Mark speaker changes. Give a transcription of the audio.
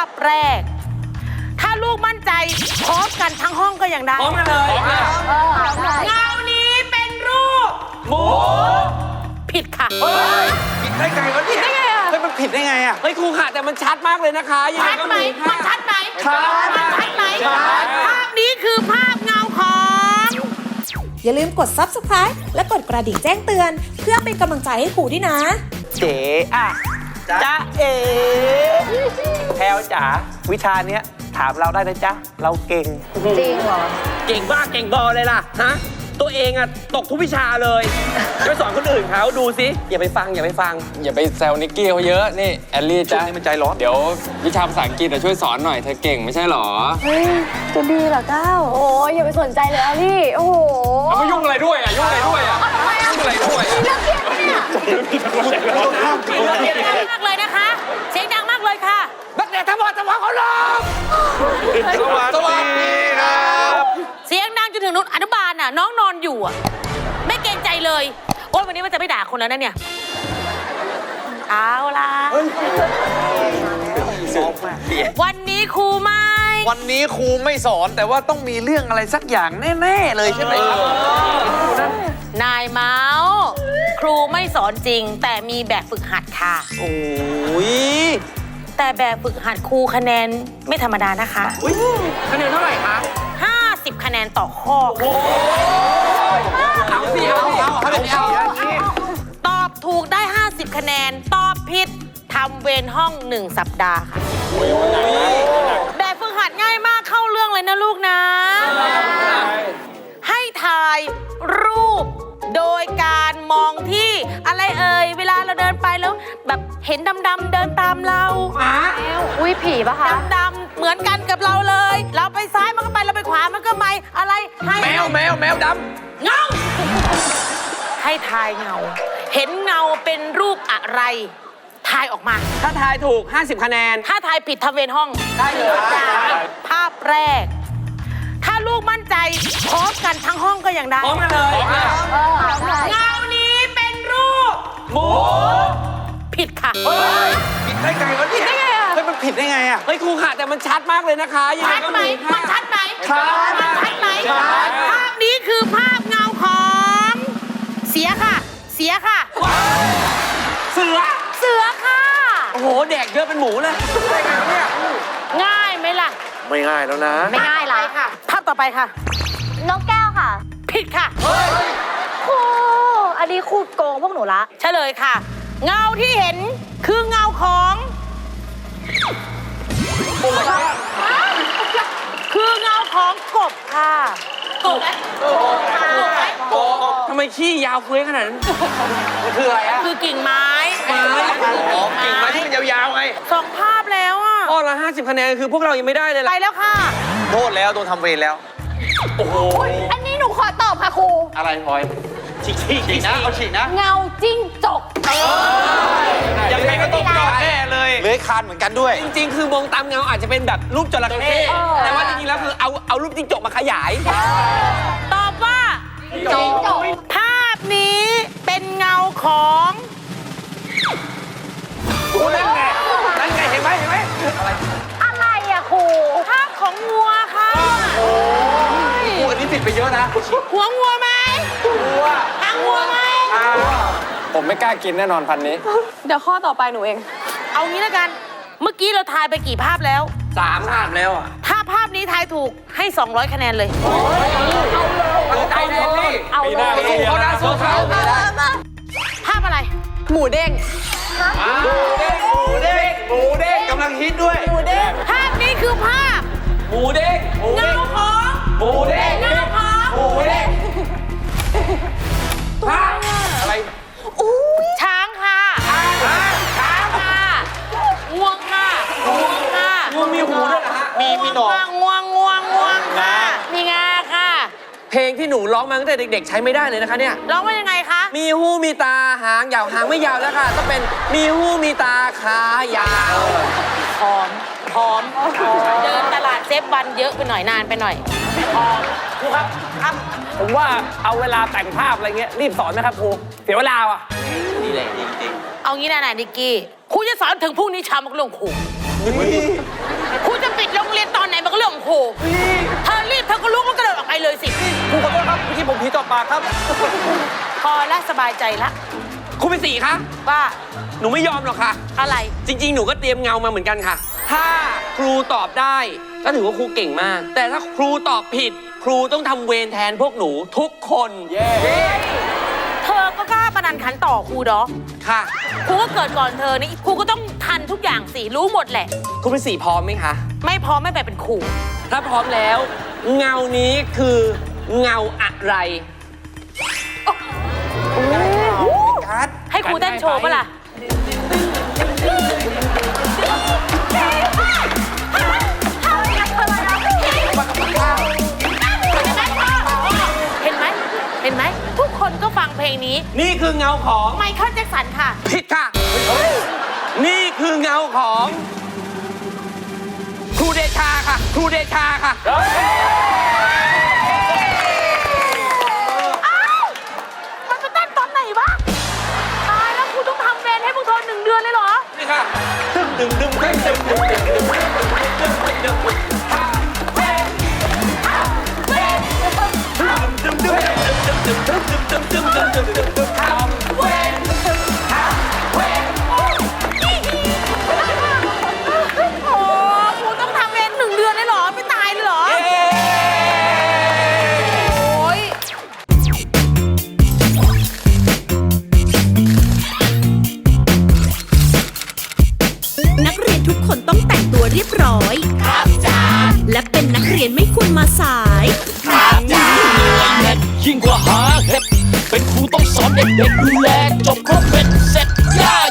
Speaker 1: แรก ถ้าลูกมั่นใจพร้อมกันทั้งห้องก็ยังได้
Speaker 2: พร้อมกันเลย
Speaker 1: เงานี้เป็นรูป
Speaker 2: หมู
Speaker 1: ผิดค่ะ
Speaker 3: ผิดได้ไงวะเนี่ยเฮ้ยมันผิดได้ไงอ่ะ
Speaker 2: เฮ้ยครูค่ะแต่มันชัดมากเลยนะคะยังไง
Speaker 1: ชัด
Speaker 2: ก็
Speaker 1: ไหม
Speaker 2: หมู
Speaker 1: มันชัดไหม
Speaker 2: ชัด
Speaker 1: มันชัดไหม
Speaker 2: ชัด
Speaker 1: ภาพนี้คือภาพเงาของ
Speaker 4: อย่าลืมกด Subscribe และกดกระดิ่งแจ้งเตือน เพื่อเป็นกำลังใจให้ครูด้วยนะ
Speaker 3: เจ๋อะจ๊ะเอ๋แพลวจ๋าวิชาเนี้ยถามเราได้นะจ๊ะเราเก่ง
Speaker 5: จริงเหรอ
Speaker 2: เก่งบ้าเก่งบอเลยล่ะฮะตัวเองอะตกทุกวิชาเลยจะไปสอนคนอื่นเขาดูสิอย่าไปฟังอย่าไปฟัง
Speaker 6: อย่าไปแซวนิกกี้เขาเยอะ นี่แอลลี่
Speaker 3: ช่ว
Speaker 6: จ้ะ
Speaker 3: งนี้มันใจร้อน
Speaker 6: เดี๋ยววิชาภาษาอังกฤษช่วยสอนหน่อยเธอเก่งไม่ใช่หรอ
Speaker 5: เฮ้ย จะดีเหรอก้าวโอ้ยอย่าไปสนใจเลยอลี่ โอ้โห
Speaker 6: เอามายุ่งอะไรด้วยอ่ะยุ่งอะไรด้วยอ่ะยุ่งอะไรด้วยอ่ะ
Speaker 5: เรื่องเครียดปะเนี่ย
Speaker 1: เสียงดังมากเลยนะคะ เสียงดังมากเลยค่ะ
Speaker 2: นักเรียนทั้งหมดสมองเขาลง
Speaker 3: สวัสดีครับ
Speaker 1: เสียงดังจนถึงนุนอนุบาลน่ะน้องนอนอยู่อ่ะไม่เกรงใจเลยโอ๊ยวันนี้มันจะไม่ด่าคนแล้วนะเนี่ยเอาล่ะวันนี้ครูไม่
Speaker 3: วันนี้ครูไม่สอนแต่ว่าต้องมีเรื่องอะไรสักอย่างแน่ๆเลยใช่ไหมครับ
Speaker 1: นายเมาส์ครูไม่สอนจริง แต่มีแบบฝึกหัดค่ะ
Speaker 3: โอ้ย
Speaker 1: แต่แบบฝึกหัดครูคะแนนไม่ธรรมดานะคะ
Speaker 2: คะแนนเท่าไหร่คะ
Speaker 1: 50 คะแนนต่อข้อค่ะ
Speaker 2: เอาสิเอาสิ
Speaker 1: ตอบถูกได้ 50 คะแนน ตอบผิดทำเวรห้อง 1 สัปดาห์ค่ะ แบบฝึกหัดง่ายมากเข้าเรื่องเลยนะลูกนะ ให้ถ่ายรูปโดยการมองที่อะไรเอ่ยเวลาเราเดินไปแล้วแบบเห็นดำๆเดินตามเรา
Speaker 5: อุ้ยผีปะคะ
Speaker 1: ดำๆเหมือนกันกับเราเลย เราไปซ้ายมันก็ไปเราไปขวามันก็ไม่อะไรให้
Speaker 2: แมวด
Speaker 1: เงาให้ทายเงา เห็นเงาเป็นรูปอะไรทายออกมา
Speaker 2: ำถ้าทายถูก 50 คะแนน
Speaker 1: ถ้าทายผิดทำเวรห้อง
Speaker 2: ได้เลย
Speaker 1: ภาพแรก ถ้าลูกมั่นใจพร้อมกันทั้งห้องก็ยังได้
Speaker 2: พร้อมกันเลย
Speaker 1: เงานี้เป็นรูป
Speaker 2: หมู
Speaker 1: ผิดค่ะ
Speaker 3: ผิดได้ไงวะเนี่ยเฮ้ยมันผิดได้ไงอ่ะ
Speaker 2: เฮ้ยครูค่ะแต่มันชัดมากเลยนะคะยังไง
Speaker 1: ชัด
Speaker 2: ก็
Speaker 1: ไหม
Speaker 2: หมู
Speaker 1: มันชัดไหม
Speaker 2: ชัด
Speaker 1: มันชัดไหม
Speaker 2: ชัด
Speaker 1: ภาพนี้คือภาพเงาของ เสียค่ะ เสียค่ะ
Speaker 2: เสือ
Speaker 1: เสือค่ะ
Speaker 2: โอ้โหแดกเยอะเป็นหมูเลยได้ไงวะเนี่ย
Speaker 1: ง่ายไหมล่ะ
Speaker 3: ไม่ง่ายแล้วนะ
Speaker 5: ไม่ง่ายละ
Speaker 1: ค่ะ ภาพต่อไปค่ะ
Speaker 5: นกแก้วค่ะ
Speaker 1: ผิดค่ะ
Speaker 5: ครู อันนี้ครูโกงพวกหนูละ
Speaker 1: เฉลยค่ะ เงาที่เห็นคือเงาของคือเงาของกบค่ะกบไหมกบไหม
Speaker 2: ทำไมขี้ยาวเฟ้ยขนาดนั้น
Speaker 3: มันคืออะไรอ่ะ
Speaker 1: คือกิ่งไม้
Speaker 3: อ๋อกิ่งไม้ที่มันยาวๆไง
Speaker 1: สองภาพแล้วอ่ะ
Speaker 2: ข้อละ 50 คะแนนคือพวกเรายังไม่ได้เลย
Speaker 1: ไป
Speaker 2: ล่ะ
Speaker 1: แล้วค่ะ
Speaker 3: โทษแล้วโดนทำเวรแล้ว
Speaker 5: อันนี้หนูขอตอบค่ะครู
Speaker 3: อะไรพลอยฉีกนะเอาฉีกนะ
Speaker 5: เงาจิ้งจก
Speaker 3: ยังไงก็ต้องยอมแน่เลยเลื้อยคลานเหมือนกันด้วย
Speaker 2: จริงๆ คือมองตามเงาอาจจะเป็นแบบรูปจระเข้แต่ว่าจริงๆ แล้วคือเอารูปจิ้งจกมาขยาย
Speaker 1: ตอบว่า
Speaker 5: จิ้งจก
Speaker 1: ภาพนี้เป็นเงาของ
Speaker 2: นั่นไงเห็นไหม
Speaker 5: อะไรอะครู
Speaker 1: ภาพของงัวค่ะ
Speaker 3: กูอันนี้ผิดไปเยอะนะ
Speaker 1: หัวงัวไหมหางงัวไหม
Speaker 6: ผมไม่กล้ากินแน่นอนพันนี้
Speaker 5: เดี๋ยวข้อต่อไปหนูเอง
Speaker 1: เอางี้แล้วกัน เมื่อกี้เราทายไปกี่ภาพแล้ว
Speaker 2: 3 ภาพแล้วอ่ะ
Speaker 1: ถ้าภาพนี้ทายถูกให้ 200 คะแนนเลย
Speaker 2: ใจเย็นดิ
Speaker 5: เอาเลย
Speaker 2: สู้เขานะสู้เขา
Speaker 1: ภาพอะไร
Speaker 5: หมูเด้ง
Speaker 3: หมูเด้งกำลังฮิตด้วย
Speaker 1: ภาพนี้คือภาพ
Speaker 2: หมูเด้ง
Speaker 1: เงาของ
Speaker 2: หมูเด้ง
Speaker 1: เงาของ
Speaker 2: หมูเด้งภาพอะไร
Speaker 1: ช้างค่ะช้างค่ะงวงค่ะงวงค่ะ
Speaker 2: งูมีหูด้วยเหรอฮะ
Speaker 3: มีหนอน
Speaker 1: งวงค่ะ มีงาค่ะ
Speaker 2: เพลงที่หนูร้องมาตั้งแต่เด็กๆ ใช้ไม่ได้เลยนะคะเนี่ย
Speaker 1: ร้องว่ายังไงคะ
Speaker 2: มีหูมีตาหางยาวหางไม่ยาวแล้วค่ะต้องเป็นมีหูมีตาขายาว
Speaker 1: พร้อม เดินตลาดเซฟวันเยอะไปหน่อยนานไปหน่อยพร้อม
Speaker 2: ครูครับครับ ผมว่าเอาเวลาแต่งภาพอะไรเงี้ยรีบสอนนะครับครูเสียเวลาอ่ะ
Speaker 3: นี่แหละจริง
Speaker 1: เอางี้นะนิกกี้ครูจะสอนถึงพรุ่งนี้เช้ามันก็เรื่องครู
Speaker 3: ๆ
Speaker 1: เลยสิ
Speaker 3: ครูขอโทษครับเมื่อกี้ผมผีต่อปากครับ
Speaker 1: พอและสบายใจละ
Speaker 2: ครูเป็นสีคะ
Speaker 1: ว่า
Speaker 2: หนูไม่ยอมหรอกค่ะ
Speaker 1: อะไร
Speaker 2: จริง ๆ หนูก็เตรียมเงามาเหมือนกันค่ะ ถ้าครูตอบได้ก็ถือว่าครูเก่งมาก แต่ถ้าครูตอบผิด ครูต้องทำเวรแทนพวกหนูทุกคน
Speaker 1: เธอก็กล้าประนันขันต่อครูดอก
Speaker 2: ค่ะ
Speaker 1: ครูก็เกิดก่อนเธอนี่ครูก็ต้องทันทุกอย่างสิรู้หมดแหละ
Speaker 2: ครูเป็นสีพร้อมไหมคะ
Speaker 1: ไม่พร้อมไม่ไปเป็นครู
Speaker 2: ถ้าพร้อมแล้ว เงานี้คือเงาอะไร
Speaker 1: ให้ครูเต้นโชว์ปะล่ะ เห็นไหม เห็นไหม ทุกคนก็ฟังเพลงนี้
Speaker 2: นี่คือเงาของ
Speaker 1: ไมเคิลแจ็คสันค่ะ
Speaker 2: ผิดค่ะ นี่คือเงาของ ครูเดชาค่ะ ครูเดชาค่ะ
Speaker 1: มันไปเต้นตอนไหนวะ ตายแล้วครูต้องทำเวรให้พวกเธอ1 เดือนเลยเหรอ
Speaker 2: นี่ค่ะดึมดึมดึมดึมดึมดึมดึมดึมดึมดึม
Speaker 1: โอ้ครูต้องทำเวร1 เดือนเลยเหรอ ไม่ตายเลยเหรอ โอ้ย
Speaker 7: นักเรียนทุกคนต้องแต่งตัวเรียบร้อย ครับจ้าและเป็นนักเรียนไม่ควรมาสาย
Speaker 8: ยิ่งกว่าหาเห็ดเป็นครูต้องสอนเด็กๆดูแลจบครบเป็นเสร็จย่า